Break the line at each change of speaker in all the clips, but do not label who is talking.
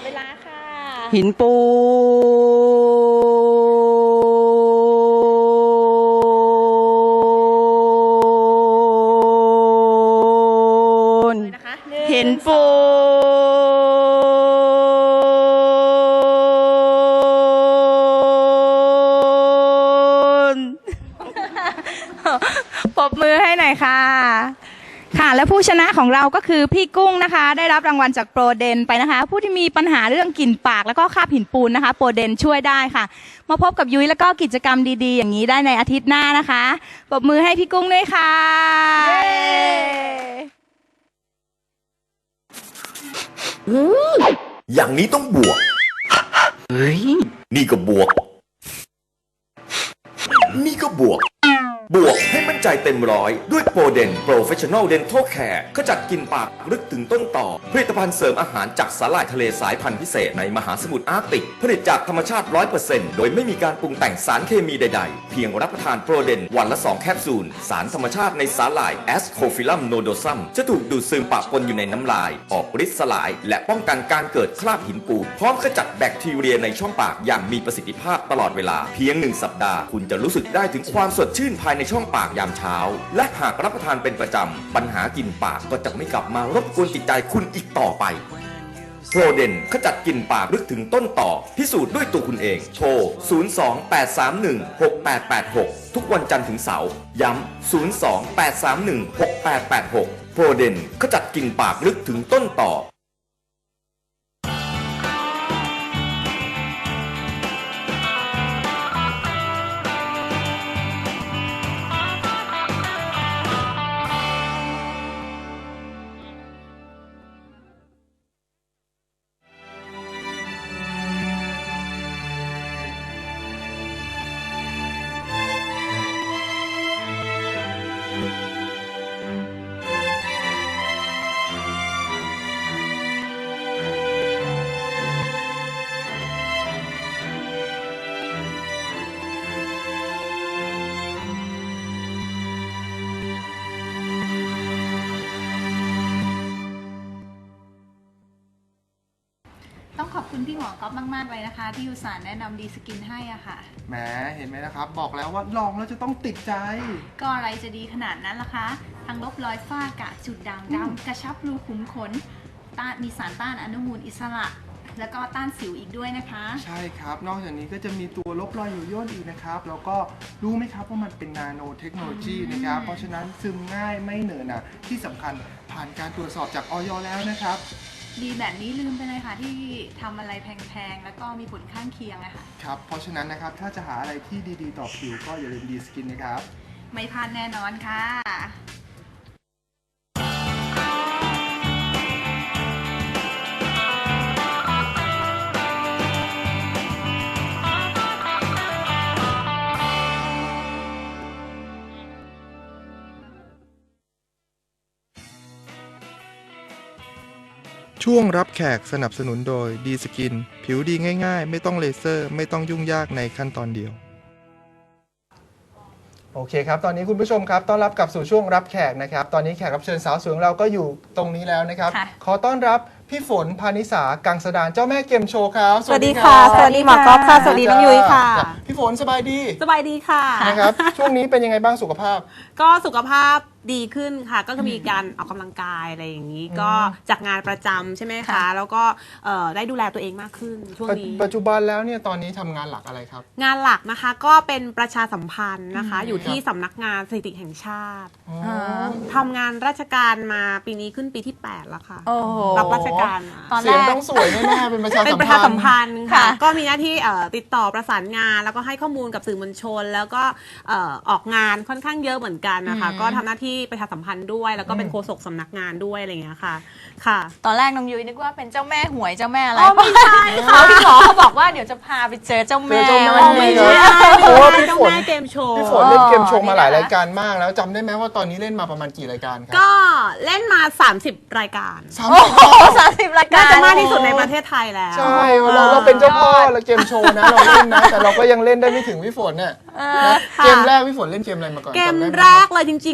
เวลาค่ะ
หินปูนหินปูนปรบมือให้หน่อยค่ะค่ะและผู้ชนะของเราก็คือพี่กุ้งนะคะได้รับรางวัลจากโปรเดนไปนะคะผู้ที่มีปัญหาเรื่องกลิ่นปากแล้วก็คราบหินปูนนะคะโปรเดนช่วยได้ค่ะมาพบกับยุ้ยแล้วก็กิจกรรมดีๆอย่างนี้ได้ในอาทิตย์หน้านะคะปรบมือให้พี่กุ้งด้วยค่ะ
อย่างนี้ต้องบวก
เฮ้ย
นี่ก็บวก นี่ก็บวก บวกให้มั่นใจเต็มร้อยด้วยโปรเดน Professional Dental Care ขจัดกลิ่นปากลึกถึงต้นต่อผลิตภัณฑ์เสริมอาหารจากสาหร่ายทะเลสายพันธุ์พิเศษในมหาสมุทรอาร์กติกผลิตจากธรรมชาติ 100% โดยไม่มีการปรุงแต่งสารเคมีใดๆเพียงรับประทานโปรเดนวันละ2แคปซูลสารธรรมชาติในสาหร่าย Ascophyllum nodosum จะถูกดูดซึมปะปนอยู่ในน้ำลายออกฤทธิ์สลายและป้องกันการเกิดคราบหินปูนพร้อมขจัดแบคทีเรียในช่องปากอย่างมีประสิทธิภาพตลอดเวลาเพียง1สัปดาห์คุณจะรู้สึกได้ถึงความสดชื่นภายในช่องปากยามเช้าและหากรับประทานเป็นประจำปัญหากลิ่นปากก็จะไม่กลับมารบกวนจิตใจคุณอีกต่อไปโปรเดนขจัดกลิ่นปากลึกถึงต้นต่อพิสูจน์ด้วยตัวคุณเองโทร 028316886 ทุกวันจันทร์ถึงเสาร์ย้ำ 028316886 โปรเดนขจัดกลิ่นปากลึกถึงต้นต่อ
ต้องขอบคุณพี่หมอก๊อฟมากๆเลยนะคะที่อุตส่าห์แนะนำดีสกินให้อ่ะค่ะ
แหมเห็นไหมนะครับบอกแล้วว่าลองแล้วจะต้องติดใจ
ก็อะไรจะดีขนาดนั้นล่ะคะทั้งลบรอยฝ้ากระจุดด่างดำกระชับรูขุมขนต้านมีสารต้านอนุมูลอิสระแล้วก็ต้านสิวอีกด้วยนะคะ
ใช่ครับนอกจากนี้ก็จะมีตัวลบรอยหยุ่ยย่นอีกนะครับแล้วก็รู้ไหมครับว่ามันเป็นนาโนเทคโนโลยีนะครับเพราะฉะนั้นซึมง่ายไม่เหนอะหนะที่สำคัญผ่านการตรวจสอบจากอย.แล้วนะครับ
ดีแบบนี้ลืมไปเลยค่ะที่ทำอะไรแพงๆแล้วก็มีผลข้างเคียงอะค่ะ
ครับเพราะฉะนั้นนะครับถ้าจะหาอะไรที่ดีๆต่อผิวก็อย่าลืมดีสกินนะครับ
ไม่พลาดแน่นอนค่ะ
ช่วงรับแขกสนับสนุนโดยดีสกินผิวดีง่ายๆไม่ต้องเลเซอร์ไม่ต้องยุ่งยากในขั้นตอนเดียวโอเคครับตอนนี้คุณผู้ชมครับต้อนรับกลับสู่ช่วงรับแขกนะครับตอนนี้แขกรับเชิญสาวสวยของเราก็อยู่ตรงนี้แล้วนะครับขอต้อนรับพี่ฝนพานิสากังสดานเจ้าแม่เกมโชว์ครับ
สวัสดีค่ะสวัสดีหมอกอล์ฟค่ะสวัสดีน้องยุ้ยค่ะ
พี่ฝนสบายดี
สบายดีค่ะ
นะครับช่วงนี้เป็นยังไงบ้างสุขภาพ
ก็สุขภาพดีขึ้นค่ะก็คือมีการออกกำลังกายอะไรอย่างนี้ก็จากงานประจำใช่ไหมคะแล้วก็ได้ดูแลตัวเองมากขึ้นช่วงนี้
ปัจจุบันแล้วเนี่ยตอนนี้ทำงานหลักอะไรครับ
งานหลักนะคะก็เป็นประชาสัมพันธ์นะคะอยู่ที่สำนักงานสถิติแห่งชาติทำงานราชการมาปีนี้ขึ้นปีที่8แล้วค่ะรับราชการ
ตอนแรกเสียงต้องสวยแน่ๆเป็นประชาสัมพันธ์
ค่ะก็มีหน้าที่ติดต่อประสานงานแล้วก็ให้ข้อมูลกับสื่อมวลชนแล้วก็ออกงานค่อนข้างเยอะเหมือนกันนะคะก็ทำหน้าที่ประชาสัมพันธ์ด้วยแล้วก็เป็นโฆษกสำนักงานด้วยอะไรอย่างเงี้ยค่ะค่ะ
ตอนแรกน้องยุ้ยนึกว่าเป็นเจ้าแม่หวยเจ้าแม่อะไร
ไม่ใช่ค่ะ
พี่หมอเขาบอกว่าเดี๋ยวจะพาไปเจอเจ้าแม่
ไม่ใช่
เพราะว่าพี่ฝน
เกมโชว์
พี่ฝนเล่นเกมโชว์มาหลายรายการมากแล้วจำได้ไหมว่าตอนนี้เล่นมาประมาณกี่รายการครับ
ก็เล่นมา30รายการ
30รายการ
น่าจะมากที่สุดในประเทศไทยแล้ว
ใช่เราเป็นเจ้าพ่อแล้วเกมโชว์นะเราเล่นนะแต่เราก็ยังเล่นได้ไม่ถึงพี่ฝนเนี่ยเกมแรกพี่ฝนเล่นเกมอะไรมาก่อน
เกมแรกเลยจริงๆถ้าเกิดเอา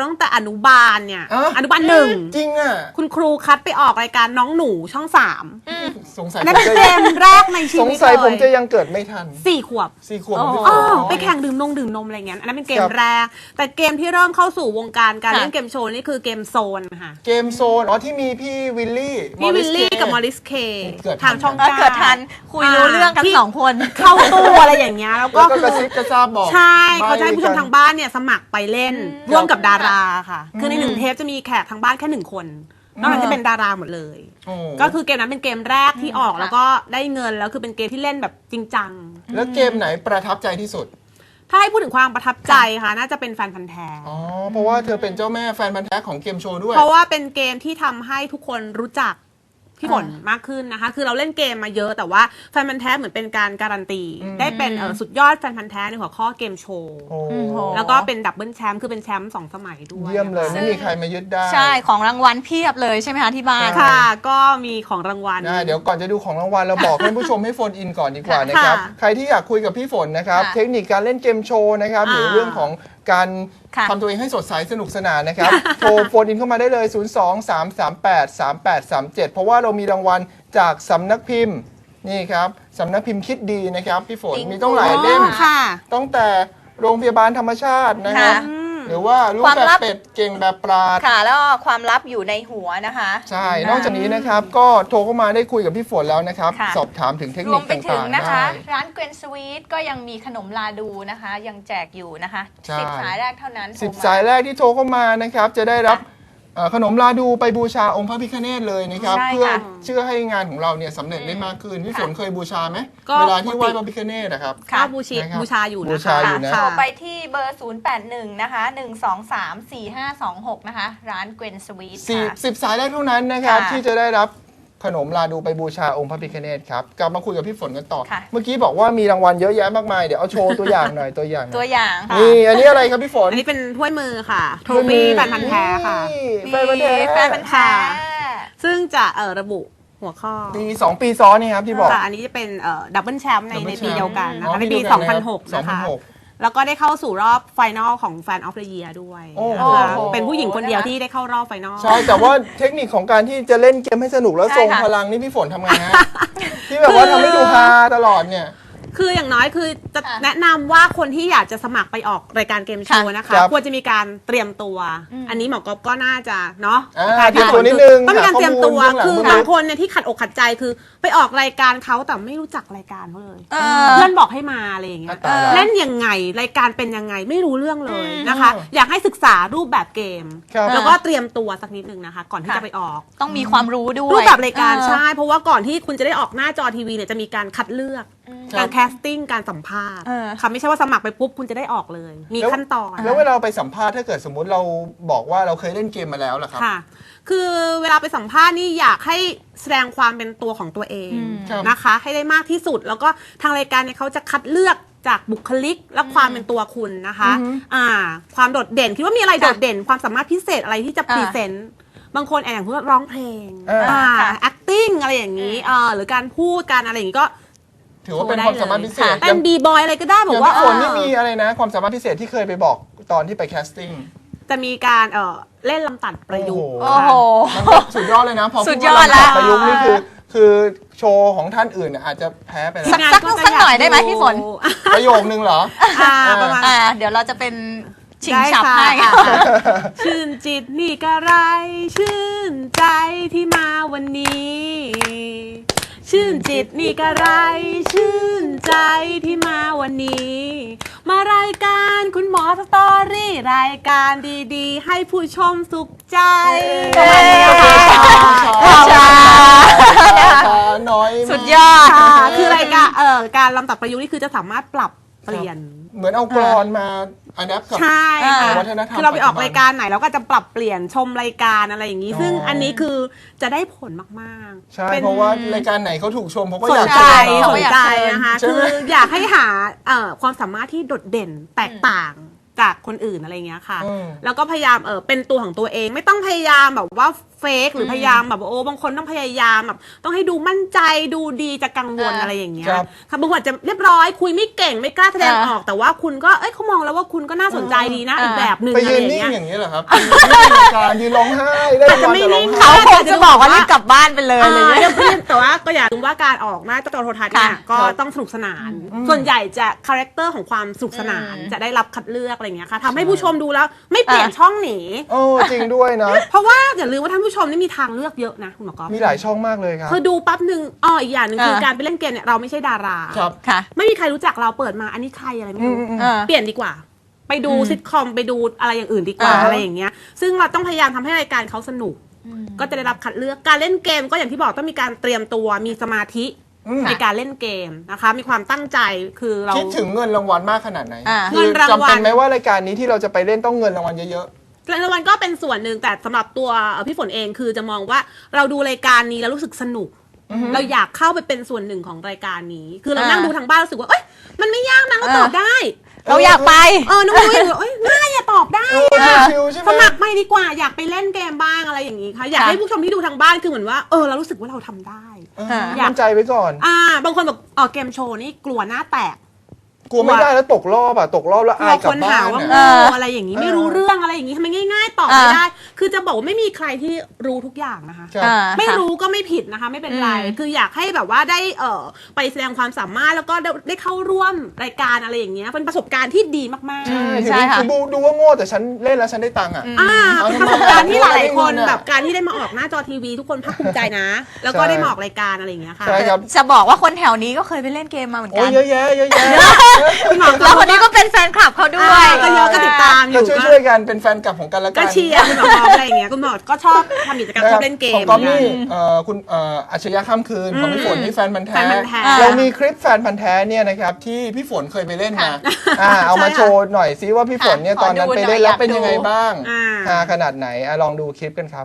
ตั้งแต่อนุบาลเนี่ย
อ่ะ
อนุบาลหนึ่ง
จริงอ่ะ
คุณครูคัดไปออกรายการน้องหนูช่องสาม
สงสัย
อัน
ผ
นั้น
ม
เป็น
จะ
เกมแรกในชี
สง
วิต
สัย
เล
ผมจะ
ย
ยังเกิดไม่ทัน
4 ขวบ
4 ขวบของพี่ฝ
อ๋อน
อ๋อ
ไปแข่งดื่มนมอะไรเงี้ยอันนั้นเป็นเกม
ครับ
แรก แต่เกมที่เริ่มเข้าสู่วงการการ
ค่ะ
เล่นเกมโชว์นี่คือเกมโซนค่ะ
เกมโซนอ๋อที่มีพี่วิลลี่
พี่วิลลี่กับมอริสเค
เกิดทัน
ทางช่อง
เกิดทันคุยรู้เรื่องกัน
ที่
2 คน
เข้าตู้อะไรอย่างเงี้ยแล้วก็
แล้วก็กระซิบกระซาบบอก
ใช่เขาจะให้
ใบ้
ผู้ชม
กัน
ทางบ้านเนี่ยสมัครไปเล่นร่วมกับดาราค่ะ คือใน
อืม
1 เทปจะมีแขกทางบ้านแค่ 1 คนนอกนั้นจะเป็นดาราหมดเลย
โอ้
ก็คือเกมนั้นเป็นเกมแรกที่ออก
ค่ะ
แล้วก็ได้เงินแล้วคือเป็นเกมที่เล่นแบบจริงจัง
แล้วเกมไหนประทับใจที่สุด
ถ้าให้พูดถึงความประทับใจค่ะน่าจะเป็นแฟนพันธ์แท้
อ๋อ เพราะว่าเธอเป็นเจ้าแม่แฟนพันธ์แท้ของเกมโชว์ด้วย
เพราะว่าเป็นเกมที่ทำให้ทุกคนรู้จักพี่ฝนมากขึ้นนะคะ คือเราเล่นเกมมาเยอะแต่ว่าแฟนพันธ์แท้เหมือนเป็นการการันตี
อืม
ได้เป็นสุดยอดแฟนพันธ์แท้ในหัวข้อเกมโชว์
โอ้
โห
แล้วก็เป็นดับเบิลแชมป์คือเป็นแชมป์2 สมัยด้วย
เยี่ยมเลย ไม่มีใครมายึดได้
ใช่ของรางวัลเพียบเลยใช่ไหมคะที่บ้าน
ค่ะ ก็มีของรางวัล
เดี๋ยวก่อนจะดูของรางวัลเราบอกให้ผู้ชมให้โฟนอินก่อนดีกว่านะครับ
ค่ะ
ใครที่อยากคุยกับพี่ฝนนะครับ
ค่ะ
เทคนิคการเล่นเกมโชว์นะครับ หรือ
อ่า
เรื่องของการ
ค่ะ
ทำตัวเองให้สดใสสนุกสนานนะครับ โทรโฟนอินเข้ามาได้เลย 023383837 เพราะว่าเรามีรางวัลจากสำนักพิมพ์นี่ครับสำนักพิมพ์คิดดีนะครับพี่ฝนมีต้องหลายเล่ม
ค่ะ
ตั้งแต่โรงพยาบาลธรรมชาตินะค
ค่ะ
รับหรือว่าลูก
ความ
แบบ
ลับ
เป็ดเก่งแบบปราด
ค่ะแล้วก็ความลับอยู่ในหัวนะคะ
ใช่ นอกจากนี้นะครับก็โทรเข้ามาได้คุยกับพี่ฝนแล้วนะครับ
ค่ะ
สอบถามถึงเทค
ร
นิ
ว
ค
มไปถึ
ต่าง งๆ
นะคะ
ได้
ร้านเกรนสวีทก็ยังมีขนมลาดูนะคะ ยังแจกอยู่นะคะ
ใช่
10 สายแรกเท่านั้นโทร
10
ม
สายแรกที่โทรเข้ามานะครับจะได้รับขนมลาดูไปบูชาองค์พระพิฆเนศเลยนะครับ
ใช่
เพื่อ
ค่ะ
เชื่อให้งานของเราเนี่ยสำเร็จได้มากขึ้นพี่ฝนเคยบูชาไหม
ก็
เวลาที่ไหว้พระพิฆเนศนะครับ
ค่ะ
ก็
นะครับ
บูชาอยู่
บู
นะ
ชา
คะ
อยู่นะ
โทร
ค่ะ
ไปที่เบอร์ 081 นะคะ 1234526 นะคะ ร้านเกรนสวีทค่ะ
10 สายแรกเท่านั้นนะครับ
ค่ะ
ที่จะได้รับขนมลาดูไปบูชาองค์พระพิฆเนศครับกลับมาคุยกับพี่ฝนกันต่อ
ค่ะ
เมื่อกี้บอกว่ามีรางวัลเยอะแยะมากมายเดี๋ยวเอาโชว์ตัวอย่างหน่อยตัวอย่างหน่
ตั
อ
วย อย่าง
นี่อันนี้อะไรครับพี่ฝน
อันนี้เป็นถ้วยมือค่ะ โทฟี่แฟนพันธ์แท้ค่ะ
นี่
มี
แฟนพันธ์แท้
แฟนพันธ์แท้
ซึ่งจะระบุหัวข้อ
ปี2 ปีซ้อนนี่ครับที่บอก
ค่ะอันนี้จะเป็นดับเบิลแชมป์ใน
Double
ปี
Champ
เดียวกันนะ
อ๋อ
คะในปี
ปีเดียวกันนะครับ
2006 นะคะ
2006
แล้วก็ได้เข้าสู่รอบไฟนอลของ Fan of the Year ด้วย
โอ้
นะคะ
โอ้โห
เป็นผู้หญิงคนเดียวที่ได้เข้ารอบไฟนอล
ใช่แต่ว่าเทคนิคของการที่จะเล่นเกมให้สนุกแล้ว
ใช่
ทรง
ค่ะ
พลังนี่พี่ฝนทำไงฮะ ที่แบบว่าทำให้ดูฮาตลอดเนี่ย
คืออย่างน้อยคือจะ
ค่ะ
แนะนำว่าคนที่อยากจะสมัครไปออกรายการเกมโชว์นะคะ
ครับ
ควรจะมีการเตรียมตัว อันนี้หมอกอฟก็น่าจะเนาะ
เตรียมตัวนิดนึง
ต้องมีการเตรียมตัว
หาข้อมูล
คือ
เบื้องหลัง
บางคนเนี่ยที่ขัดอกขัดใจคือไปออกรายการเขาแต่ไม่รู้จักรายการเขาเลย
เออ
เพื่อนบอกให้มาอะไรอย่างเงี้ย
ตายแล้ว
เล่นยังไงรายการเป็นยังไงไม่รู้เรื่องเลยนะคะ อยากให้ศึกษารูปแบบเกม
ครับ
แล้วก็เตรียมตัวสักนิดนึงนะคะ ก่อนที่
ค่ะ
จะไปออก
ต้องมีความรู้ด้วย
รูปแบบรายการ
เออ
ใช่เพราะว่าก่อนที่คุณจะได้ออกหน้าจอทีวีเนี่ยจะมีการคัดเลือก
ครั
กา
บ
รแคสติ้งการสัมภาษณ์
เออ
ค่ะไม่ใช่ว่าสมัครไปปุ๊บคุณจะได้ออกเลย มีขั้นตอน
แล้วเวลาเราไปสัมภาษณ์ถ้าเกิดสมมุติเราบอกว่าเราเคยเล่นเกมมาแล้วล่ะครับ
ค่ะ คือเวลาไปสัมภาษณ์นี่อยากให้แสดงความเป็นตัวของตัวเอง
ครับ
นะคะ ให้ได้มากที่สุด แล้วก็ทางรายการเนี่ยเขาจะคัดเลือกจากบุคลิกและความเป็นตัวคุณนะคะ ความโดดเด่นคิดว่ามีอะไรโดดเด่น ความสามารถพิเศษอะไรที่จะพรีเซนต์บางคนอย่างพูดร้องเพลง
ค่ะ
acting อะไรอย่างนี้หรือการพูดการอะไรอย่างนี้ก็
ถือว่าเป็นความสามารถพิเศษ
เป็นบีบอยอะไรก็ได้บ
อ
อก
ย่าง
ว่า
พี่ฝนนี่มีอะไรนะ ความสามารถพิเศษที่เคยไปบอกตอนที่ไปแคสติ้ง
จะมีการเล่นลำตัดประยุกต์
โอ้โห
มันก็สุดยอดเลยนะพอ
สุ
พู
ด
ด
ยอ
ว่า
ดแล้ว
ประยุกต์นี่คือโชว์ของท่านอื่นเนี่ยอาจจะแพ้ไปแล้ว
สักหน่อยได้ไหมพี่ฝน
ประโยคนึงเหรอ
ประมาณ
เดี๋ยวเราจะเป็นชิง
ได้
ฉับ
ค่ะ
ให้
ชื่นจิตนี่กระไร ชื่นใจที่มาวันนี้ ชื่นจิตนี่กระไร ชื่นใจที่มาวันนี้ มารายการคุณหมอสตอรี่รายการดีๆ ให้ผู้ชมสุขใจ
น้อย
สุดยอด
ค่ะคือรายการการลำตัดประยุกต์นี่คือจะสามารถปรับเปลี่ยน
เหมือนเอากรอนมาอัดแอปกับ
ใช่ค่ะ
วัฒนธรรม
คือเราไปออก
ปัจจุบัน
รายการไหนเราก็จะปรับเปลี่ยนชมรายการอะไรอย่างนี้
อ๋อ
ซึ่งอันนี้คือจะได้ผลมากๆ
ใช่
ป็น
เพราะว่ารายการไหนเขาถูกชมเขาก็
ส
อน ยาก
ใจ
เชิญ
เขา
ส
ก็
น
อยาก
ใจ
เชิญ
นะคะ
ใช่
คื
ไหม
ออยากให้หาความสามารถที่โดดเด่นแตกต่างจากคนอื่นอะไรเงี้ยค่ะ แล้วก็พยายามเป็นตัวของตัวเอง ไม่ต้องพยายามแบบว่าเฟกหรือพยายามแบบโอ้บางคนต้องพยายามแบบต้องให้ดูมั่นใจดูดีจะกังวลอะไรอย่างเงี้ย
ครับ
ค่ะบางคนอาจจะเรียบร้อยคุยไม่เก่งไม่กล้าแสดงออกแต่ว่าคุณก็เขามองแล้วว่าคุณก็น่าสนใจดีนะอีกแบบหนึ่ง
ไป
อะไร
ยืน
อย่าง
นิ่ง
เงี้ย
อย่างนี้เหรอครับยืนการยืนร้องไห้ได้รางวัลแต่ร้องไห้
เขาคงจะบอกว่ารีบกลับบ้านไปเลย
เดี๋ยวแต่ว่าก็อย่าลืมว่าการออกหน้าจอโทรทัศน์เนี่ยก็ต้องสนุกสนาน ส่วนใหญ่จะคาแรคเตอร์ของความสนุกสนานจะได้รับคัดเลือกอะไรอย่างเงี้ยค่ะทำให้ผู้ชมดูแล้วไม่เปลี่ยนช่องหนี
โอ้จริงด้วยนะ
เพราะว่าอย่าลืมว่าท่านผู้ชมนี่มีทางเลือกเยอะนะคุณหมอกอฟ
มีหลายช่องมากเลยครับ
คือดูปั๊บหนึ่งอีกอย่างหนึ่งคือการไปเล่นเกมเนี่ยเราไม่ใช่ดารา
ครับ
ค่ะ
ไม่มีใครรู้จักเราเปิดมาอันนี้ใครอะไรไม่รู้
อ่า
เปลี่ยนดีกว่า ไปดูซิทคอมไปดูอะไรอย่างอื่นดีกว่า
อ่า
อะไรอย่างเงี้ยซึ่งเราต้องพยายามทำให้รายการเขาสนุก ก็จะได้รับคัดเลือกการเล่นเกมก็อย่างที่บอกต้องมีการเตรียมตัวมีสมาธิในการเล่นเกมนะคะ มีความตั้งใจคือเรา
คิดถึงเงินรางวัลมากขนาดไหน
เงินรางวัล
จำเป็นไหมว่ารายการนี้ที่เราจะไปเล่นต้องเงินรางวัลเยอะ
รางวัลก็เป็นส่วนหนึ่งแต่สำหรับตัวพี่ฝนเองคือจะมองว่าเราดูรายการนี้แล้วรู้สึกสนุก เราอยากเข้าไปเป็นส่วนหนึ่งของรายการนี้ คือเรานั่งดูทางบ้านรู้สึกว่าเอ้ยมันไม่ยากนะเราตอบได้
เราอยากไป
น้องนุ้ยเอ้ยง่ายอะตอบได้
ๆ
อะ
ชิวๆใช่ไหม
สมัครไม่ดีกว่าอยากไปเล่นเกมบ้างอะไรอย่างนี้ค่ะอยากให้ผู้ชมที่ดูทางบ้านคือเหมือนว่าเรารู้สึกว่าเราทำได้
มั่นใจไว้ก่อน
บางคนบอกเกมโชว์นี่กลัวหน้าแตก
กลัวไม่ได้แล้วตกรอบอ่ะตกรอบแล้ว
กลั
อายว กลั
ค
บ
น
บ้า
หาน ว่า
อะ
โง่อะไรอย่างนี้ไม่รู้เรื่องอะไรอย่างนี้ทำไมง่ายๆตอบไม่ได้ คือจะบอกว่าไม่มีใครที่รู้ทุกอย่างนะคะ
ครับ
ไม่รู้ก็ไม่ผิดนะคะไม่เป็นไร คืออยากให้แบบว่าได้ไปแสดงความสามารถแล้วก็ได้เข้าร่วมรายการอะไรอย่างเงี้ยเป็นประสบการณ์ที่ดีมากๆ
ใช่ค่ะ
ถึงดูว่าโง่แต่ฉันเล่นแล้วฉันได้ตังค์อ่ะ
ประสบการณ์ที่หลายๆคน
ไม่ได้เงินอะ
แบบการที่ได้มาออกหน้าจอทีวีทุกคนภาคภูมิใจนะ แล้วก็ได้มาออกรายการอะไรอย่างเงี้ยค่ะ
ใช่ครับ
จะบอกว่าคนแถวนี้ก็เคยไปเล่นเกมมาเหมือน
โอ้
กั
ย
น
เยอะแยะเยอะแยะ
แล้วคนนี้ก็เป็นแฟนคลับเขาด้วย
ก็เยอะก็ติดตามอ
ก็
ยู่
ช่วยๆกันเป็นแฟนคลับของกันและกั
ก็
น
เชียร์คุณหมออะไรอย่างเงี้ยคุณหมอก็ชอบทำกิจกรรมชอบเล่นเก
ข
ม
องก๊อฟนี่คุณอัจฉริยะข้ามคืนของพี่ฝนนี่แฟนพันธ์แท้
แฟนพันธุ์แท้
เรามีคลิปแฟนพันธ์แท้เนี่ยนะครับที่พี่ฝนเคยไปเล่นมาเอามา
ใช่ค่ะ
โชว์หน่อยซิว่าพี่ฝนเนี่ยตอนนั้นไปเล่นแล้วเป็นยังไงบ้าง
อ่า
ขนาดไหนลองดูคลิปกันครับ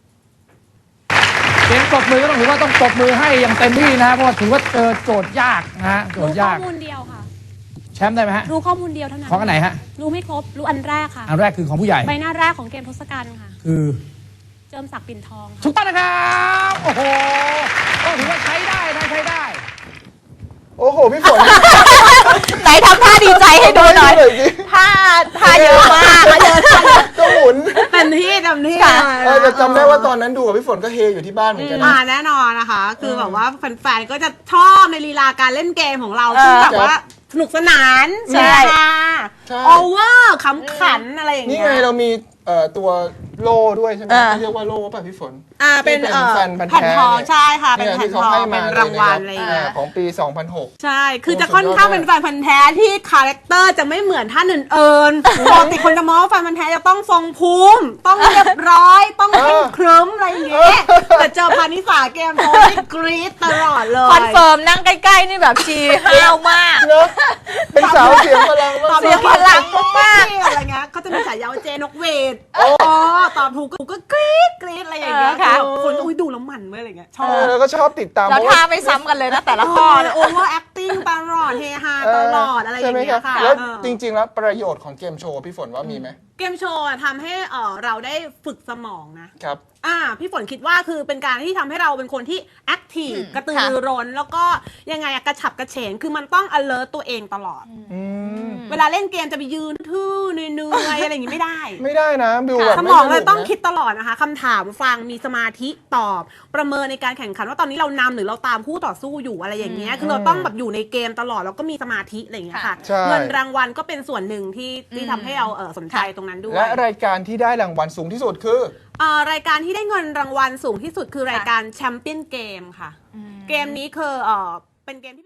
เสียงปรบมือก็ต้องถือว่าต้องปรบมือให้อย่างเต็มที่นะเพราะว่าถือว่าเจอโจทย์ยากนะฮะโจท
รู้
ย์
ข้อย
าก
มูลเดียวค่ะ
แชมป์ได้ไหมฮะ
รู้ข้อมูลเดียวเท่านั้น
ของอันไหนฮะ
รู้ไม่ครบ รู้อันแรกค่ะ
อันแรกคือของผู้ใหญ่
ใบหน้าแรกของเกมทศกัณฐ์ค่ะ
คือ
เจิมศักดิ์ปิ่นทองค่ะ
ถูกต้องนะครับโอ้โหก็ถือว่าใช้ได้นะใช้ได้
โอ้โหพี่ฝน
ไหนทำท่าดีใจให้ดูหน่อย
สิ
ท่าเยอะมากเยอะ
ก็หมุน
เต็มที่เต็มที่
ค่ะ
แต่จำได้ว่าตอนนั้นดูกับพี่ฝนก็เฮอยู่ที่บ้านเหมือนกัน
แน่นอนนะคะ คือแบบว่าแฟนๆก็จะชอบในลีลาการเล่นเกมของเราซึ่งแบบว่าสนุกสนาน
ใช่
ใช่
โอเวอร์ขำขันอะไรอย่าง
นี่
เงี้ย
ไงเรามีตัวโล่ด้วยใช่ไหมเขาเรียกว่าโล่ป่ะพี่ฝน
เป็น
ที่แฟนพันธ์
แผ่น
แท้
ทอง
เนี่ย
ใช่ค่ะ เป็น
เนี่ย
แผ่น
ที่เขา
ทอ
ให้
งเป็
มาน
รางวัลอะไรอย่างเงี้ย
ของปี 2006
ใช่ คือจะค่อนข้างเป็นแฟนพันธ์แท้ที่คาแรคเตอร์จะไม่เหมือนท่านอื่นๆปกติคนจะมองว่าแฟนพันธ์แท้จะต้องทรงภูมิ ต้องเรียบร้อย ต้องเคร่งครึ้มอะไรอย่างเงี้ย แต่เจอพานิสาเกมโทนี่กรี๊ดตลอดเลย
คอนเฟิร์มนั่งใกล้ๆนี่แบบชีห้าวมาก
เนอะเป็นสาวเสียงพลัง
ตอบ
เสียพลังมาก
อะไรเงี้ยเขาจะมีฉายาว่าเจนกเวทตอบถูกก็กรี๊ดกรี๊ดอะไรอย่างเงี้ย
ค่ะ
คนอุ้ยดูแล้วมันเว้ยอะไรเงี้ยชอบ
แล้วก็ชอบติดตาม
แล้ว
เพราะ
ท่า
ว่า
ไม่ซ้ำกันเลยนะแต่ละข้อเนี่ย
โอเวอร์แอคติ้งตลอดเฮฮาตลอดอะไรอ
ใช่
ย่าง
ไหม
เงี้
ครั
ย
บ
ค่ะ
แล้ว
เออ
จริง ๆ แล้วประโยชน์ของเกมโชว์พี่ฝนว่ามีไหม
เกมโชว์ทำให้เราได้ฝึกสมองนะครับ พี่ฝนคิดว่าคือเป็นการที่ทำให้เราเป็นคนที่แอคทีฟกระตือรือร้นแล้วก็ยังไงกระฉับกระเฉงคือมันต้อง alert ตัวเองตลอด เวลาเล่นเกมจะไปยืนทื่อเหนื่อยๆอะไรอย่างงี้ไม่ได้
ไม่ได้นะบิวแบบ
สมอง
ไส
เล
นุ
ย
ก
ต้อง
นะ
คิดตลอดนะคะคำถามฟังมีสมาธิตอบ ประเมินในการแข่งขันว่าตอนนี้เรานำหรือเราตามคู่ต่อสู้อยู่อะไรอย่างเงี้ยคือเราต้องแบบอยู่ในเกมตลอดแล้วก็มีสมาธิอะไรอย่างเงี้ยค่ะ
ใช่
เงินรางวัลก็เป็นส่วนหนึ่งที่ทำให้เราสนใจตรงนั้นด้วย
และรายการที่ได้รางวัลสูงที่สุดคือ
รายการที่ได้เงินรางวัลสูงที่สุดคือรายการแชมเปี้ยนเกมค่ะ เกมนี้คือเป็นเกมที่